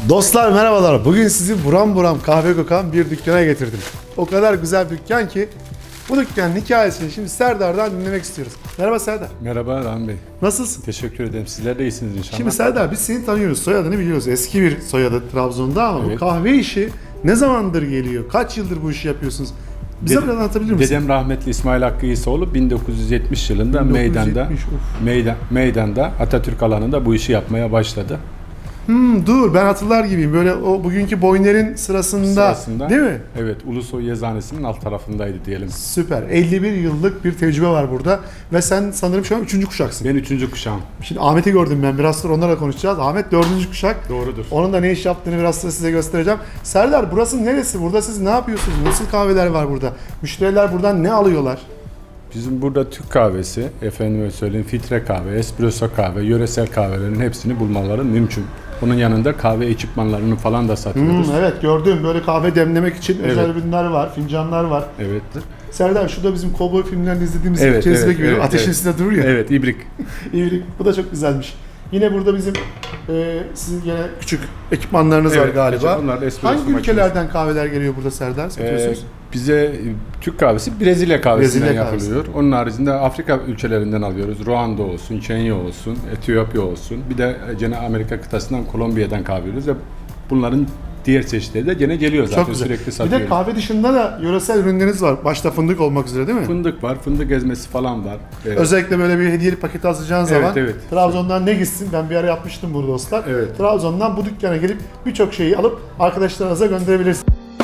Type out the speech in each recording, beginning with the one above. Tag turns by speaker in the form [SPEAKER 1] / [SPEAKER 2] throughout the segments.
[SPEAKER 1] Dostlar merhabalar. Bugün sizi buram buram kahve kokan bir dükkana getirdim. O kadar güzel bir dükkan ki bu dükkanın hikayesini şimdi Serdar'dan dinlemek istiyoruz. Merhaba Serdar.
[SPEAKER 2] Merhaba Rahmi Bey.
[SPEAKER 1] Nasılsın?
[SPEAKER 2] Teşekkür ederim. Sizler de iyisiniz inşallah.
[SPEAKER 1] Şimdi Serdar biz seni tanıyoruz. Soyadını biliyoruz. Eski bir soyadı Trabzon'da ama bu
[SPEAKER 2] Evet.
[SPEAKER 1] kahve işi ne zamandır geliyor? Kaç yıldır bu işi yapıyorsunuz? Bize biraz anlatabilir misin?
[SPEAKER 2] Dedem rahmetli İsmail Hakkı İsaoğlu 1970 yılında
[SPEAKER 1] 1970,
[SPEAKER 2] meydanda Atatürk alanında bu işi yapmaya başladı.
[SPEAKER 1] Dur ben hatırlar gibiyim. Böyle o bugünkü Boyner'in sırasında değil mi?
[SPEAKER 2] Evet, Ulusoy Yazıhanesi'nin alt tarafındaydı diyelim.
[SPEAKER 1] Süper. 51 yıllık bir tecrübe var burada. Ve sen sanırım şu an 3. kuşaksın.
[SPEAKER 2] Ben 3. kuşağım.
[SPEAKER 1] Şimdi Ahmet'i gördüm ben. Biraz sonra onlarla konuşacağız. Ahmet 4. kuşak.
[SPEAKER 2] Doğrudur.
[SPEAKER 1] Onun da ne iş yaptığını biraz sonra size göstereceğim. Serdar burası neresi? Burada siz ne yapıyorsunuz? Nasıl kahveler var burada? Müşteriler buradan ne alıyorlar?
[SPEAKER 2] Bizim burada Türk kahvesi, efendime söyleyeyim filtre kahve, espresso kahve, yöresel kahvelerin hepsini bulmaları mümkün. Bunun yanında kahve ekipmanlarını falan da satıyoruz.
[SPEAKER 1] Evet gördüm. Böyle kahve demlemek için özel
[SPEAKER 2] Evet.
[SPEAKER 1] ürünler var. Fincanlar var.
[SPEAKER 2] Evet.
[SPEAKER 1] Serdar şu da bizim kovboy filmlerinde izlediğimiz
[SPEAKER 2] Evet,
[SPEAKER 1] cezve
[SPEAKER 2] evet,
[SPEAKER 1] gibi.
[SPEAKER 2] evet,
[SPEAKER 1] Ateşin
[SPEAKER 2] evet.
[SPEAKER 1] üstünde durur ya.
[SPEAKER 2] Evet, ibrik.
[SPEAKER 1] İyilik. Bu da çok güzelmiş. Yine burada bizim sizin gene küçük ekipmanlarınız var
[SPEAKER 2] Evet,
[SPEAKER 1] galiba.
[SPEAKER 2] bunlar da espresso
[SPEAKER 1] Hangi
[SPEAKER 2] makinesi.
[SPEAKER 1] ülkelerden kahveler geliyor burada Serdar? Satıyorsunuz?
[SPEAKER 2] Bize Türk kahvesi Brezilya kahvesinden
[SPEAKER 1] Brezilya kahvesi.
[SPEAKER 2] yapılıyor. Onun haricinde Afrika ülkelerinden alıyoruz. Ruanda olsun, Kenya olsun, Etiyopya olsun. Bir de gene Amerika kıtasından Kolombiya'dan kahve alıyoruz ve bunların diğer çeşitleri de gene geliyor zaten.
[SPEAKER 1] Çok güzel.
[SPEAKER 2] Sürekli
[SPEAKER 1] Bir
[SPEAKER 2] satıyoruz.
[SPEAKER 1] de kahve dışında da yöresel ürünleriniz var. Başta fındık olmak üzere değil mi?
[SPEAKER 2] Fındık var, fındık ezmesi falan var.
[SPEAKER 1] Özellikle böyle bir hediyelik paket alacağın zaman
[SPEAKER 2] evet.
[SPEAKER 1] Trabzon'dan ne gitsin? Ben bir ara yapmıştım burada dostlar.
[SPEAKER 2] Evet.
[SPEAKER 1] Trabzon'dan bu dükkana gelip birçok şeyi alıp arkadaşlarınıza gönderebilirsiniz.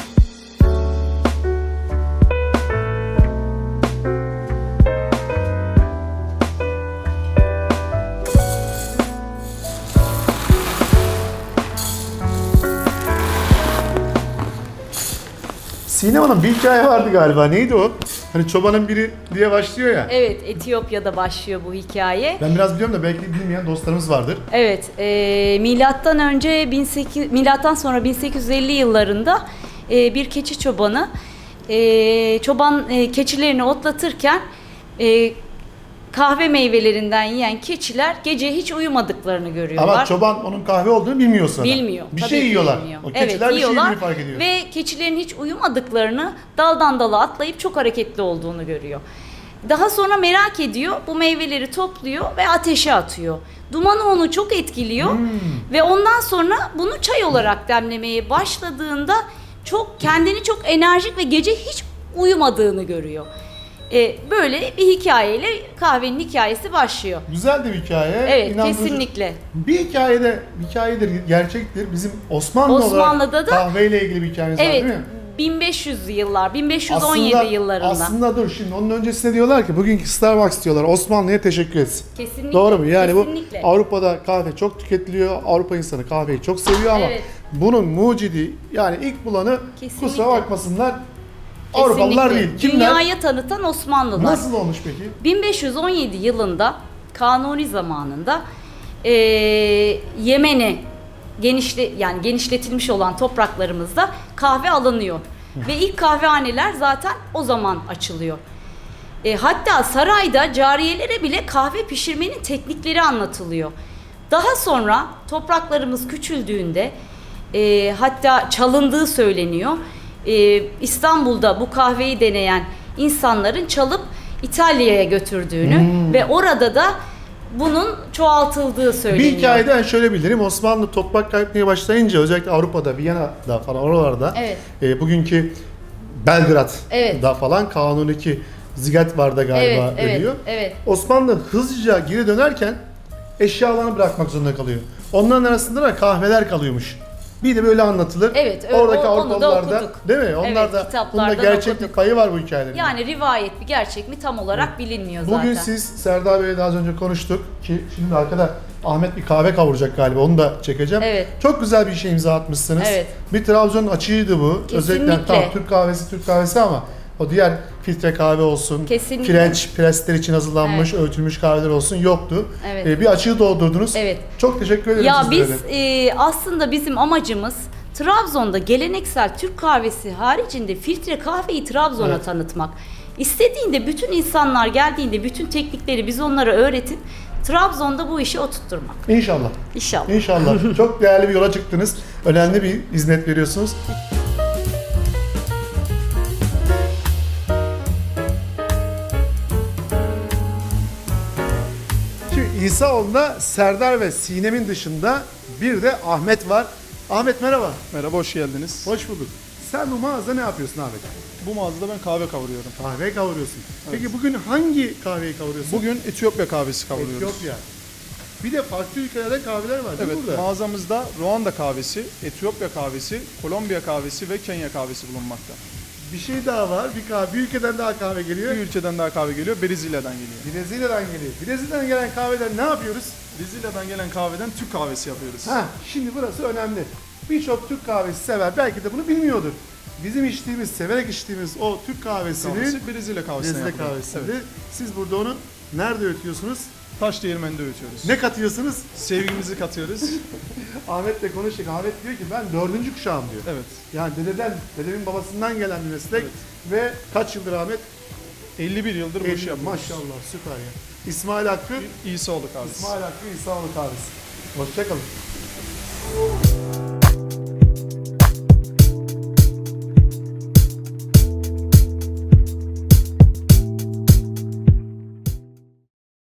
[SPEAKER 1] Sinem Hanım bir hikaye vardı galiba. Neydi o? Hani çobanın biri diye başlıyor ya.
[SPEAKER 3] Evet, Etiyopya'da başlıyor bu hikaye.
[SPEAKER 1] Ben biraz biliyorum da belki bilmeyen dostlarımız vardır.
[SPEAKER 3] Evet, milattan önce milattan sonra 1850 yıllarında bir keçi çobanı çoban keçilerini otlatırken kahve meyvelerinden yiyen keçiler gece hiç uyumadıklarını görüyorlar.
[SPEAKER 1] Ama çoban onun kahve olduğunu bilmiyor sonra.
[SPEAKER 3] Bilmiyor.
[SPEAKER 1] Bir
[SPEAKER 3] Tabii
[SPEAKER 1] şey
[SPEAKER 3] ki
[SPEAKER 1] yiyorlar.
[SPEAKER 3] bilmiyor.
[SPEAKER 1] O keçiler
[SPEAKER 3] Evet,
[SPEAKER 1] bir şey
[SPEAKER 3] yiyorlar
[SPEAKER 1] yediğini fark ediyor.
[SPEAKER 3] ve keçilerin hiç uyumadıklarını, daldan dala atlayıp çok hareketli olduğunu görüyor. Daha sonra merak ediyor, bu meyveleri topluyor ve ateşe atıyor. Dumanı onu çok etkiliyor ve ondan sonra bunu çay olarak demlemeye başladığında kendini çok enerjik ve gece hiç uyumadığını görüyor. Böyle bir hikayeyle kahvenin hikayesi başlıyor.
[SPEAKER 1] Güzel de bir hikaye.
[SPEAKER 3] Evet,
[SPEAKER 1] İnandırıcı.
[SPEAKER 3] kesinlikle.
[SPEAKER 1] Bir hikayedir, gerçektir. Bizim Osmanlı'da
[SPEAKER 3] Osmanlı'da da
[SPEAKER 1] kahveyle ilgili bir hikayemiz var
[SPEAKER 3] Evet,
[SPEAKER 1] değil mi?
[SPEAKER 3] 1500'lü yıllar, 1517 yıllarında.
[SPEAKER 1] Aslında dur şimdi onun öncesinde diyorlar ki bugünkü Starbucks diyorlar Osmanlı'ya teşekkür etsin.
[SPEAKER 3] Kesinlikle.
[SPEAKER 1] Doğru mu? Yani
[SPEAKER 3] kesinlikle.
[SPEAKER 1] bu Avrupa'da kahve çok tüketiliyor. Avrupa insanı kahveyi çok seviyor ama
[SPEAKER 3] Evet.
[SPEAKER 1] bunun mucidi yani ilk bulanı
[SPEAKER 3] Kesinlikle.
[SPEAKER 1] kusura bakmasınlar Avrupalılar değil.
[SPEAKER 3] Kesinlikle.
[SPEAKER 1] Kimler?
[SPEAKER 3] Dünyaya tanıtan Osmanlılar.
[SPEAKER 1] Nasıl olmuş peki?
[SPEAKER 3] 1517 yılında Kanuni zamanında Yemen'e genişletilmiş olan topraklarımızda kahve alınıyor. Ve ilk kahvehaneler zaten o zaman açılıyor. Hatta sarayda cariyelere bile kahve pişirmenin teknikleri anlatılıyor. Daha sonra topraklarımız küçüldüğünde hatta çalındığı söyleniyor. İstanbul'da bu kahveyi deneyen insanların çalıp İtalya'ya götürdüğünü ve orada da bunun çoğaltıldığı söyleniyor.
[SPEAKER 1] Bir hikayeden şöyle bilirim. Osmanlı toprak kaybetmeye başlayınca özellikle Avrupa'da, Viyana'da falan oralarda
[SPEAKER 3] Evet.
[SPEAKER 1] bugünkü Belgrad'da
[SPEAKER 3] Evet.
[SPEAKER 1] falan Kanuni Zigetvar'da galiba
[SPEAKER 3] Evet,
[SPEAKER 1] ölüyor.
[SPEAKER 3] evet.
[SPEAKER 1] Osmanlı hızlıca geri dönerken eşyalarını bırakmak zorunda kalıyor. Onların arasında da kahveler kalıyormuş. Bir de böyle anlatılır.
[SPEAKER 3] Evet,
[SPEAKER 1] Oradaki
[SPEAKER 3] onu da
[SPEAKER 1] Avrupalılar da
[SPEAKER 3] okuduk.
[SPEAKER 1] değil mi? Onlar
[SPEAKER 3] Evet,
[SPEAKER 1] da bunda
[SPEAKER 3] kitaplardan
[SPEAKER 1] gerçeklik
[SPEAKER 3] okuduk.
[SPEAKER 1] payı var bu hikayelerin.
[SPEAKER 3] Yani rivayet mi gerçek mi tam olarak bilinmiyor zaten.
[SPEAKER 1] Bugün siz Serdar Bey'le daha az önce konuştuk ki şimdi arkada Ahmet bir kahve kavuracak galiba onu da çekeceğim.
[SPEAKER 3] Evet.
[SPEAKER 1] Çok güzel bir şey imza atmışsınız.
[SPEAKER 3] Evet.
[SPEAKER 1] Bir Trabzon açığıydı bu.
[SPEAKER 3] Kesinlikle.
[SPEAKER 1] Özellikle tam Türk kahvesi ama o diğer filtre kahve olsun,
[SPEAKER 3] Kesinlikle.
[SPEAKER 1] French presler için hazırlanmış, öğütülmüş kahveler olsun yoktu.
[SPEAKER 3] Evet.
[SPEAKER 1] Bir açığı doldurdunuz.
[SPEAKER 3] Evet.
[SPEAKER 1] Çok teşekkür ederim
[SPEAKER 3] Ya
[SPEAKER 1] sizlere
[SPEAKER 3] biz
[SPEAKER 1] de.
[SPEAKER 3] aslında bizim amacımız Trabzon'da geleneksel Türk kahvesi haricinde filtre kahveyi Trabzon'a
[SPEAKER 1] Evet.
[SPEAKER 3] tanıtmak. İstediğinde bütün insanlar geldiğinde bütün teknikleri biz onlara öğretip Trabzon'da bu işi oturtturmak.
[SPEAKER 1] İnşallah.
[SPEAKER 3] İnşallah.
[SPEAKER 1] İnşallah. Çok değerli bir yola çıktınız. Önemli bir hizmet veriyorsunuz. Şimdi İsaoğlu'nda Serdar ve Sinem'in dışında bir de Ahmet var. Ahmet merhaba.
[SPEAKER 4] Merhaba, hoş geldiniz.
[SPEAKER 1] Hoş bulduk. Sen bu mağazada ne yapıyorsun Ahmet?
[SPEAKER 4] Bu mağazada ben kahve kavuruyorum.
[SPEAKER 1] Kahve kavuruyorsun. Peki bugün hangi kahveyi kavuruyorsun?
[SPEAKER 4] Bugün Etiyopya kahvesi kavuruyoruz.
[SPEAKER 1] Etiyopya. Bir de farklı ülkelerden kahveler var değil mi
[SPEAKER 4] Evet,
[SPEAKER 1] burada?
[SPEAKER 4] mağazamızda Ruanda kahvesi, Etiyopya kahvesi, Kolombiya kahvesi ve Kenya kahvesi bulunmakta.
[SPEAKER 1] Bir şey daha var. Bir ülkeden daha kahve geliyor.
[SPEAKER 4] Bir ülkeden daha kahve geliyor, Brezilya'dan geliyor.
[SPEAKER 1] Brezilya'dan geliyor. Brezilya'dan gelen kahveden ne yapıyoruz?
[SPEAKER 4] Brezilya'dan gelen kahveden Türk kahvesi yapıyoruz.
[SPEAKER 1] Ha, şimdi burası önemli. Birçok Türk kahvesi sever. Belki de bunu bilmiyordur. Bizim içtiğimiz, severek içtiğimiz o Türk kahvesini
[SPEAKER 4] Kahvesi Brezilya kahvesine
[SPEAKER 1] Brezilya
[SPEAKER 4] yapılıyor.
[SPEAKER 1] kahvesini
[SPEAKER 4] Evet.
[SPEAKER 1] siz burada onu nerede öğütüyorsunuz?
[SPEAKER 4] Taş değirmeninde öğütüyoruz.
[SPEAKER 1] Ne katıyorsunuz?
[SPEAKER 4] Sevgimizi katıyoruz.
[SPEAKER 1] Ahmet'le konuştuk. Ahmet diyor ki ben 4. kuşağım diyor.
[SPEAKER 4] Evet.
[SPEAKER 1] Yani dedemin babasından gelen bir meslek ve kaç yıldır Ahmet?
[SPEAKER 4] 51 yıldır bu işi yapıyoruz.
[SPEAKER 1] Maşallah süper ya. İsmail Hakkı,
[SPEAKER 4] İsaoğlu kahvesi.
[SPEAKER 1] İsmail Hakkı İsaoğlu kahvesi. Hoşçakalın.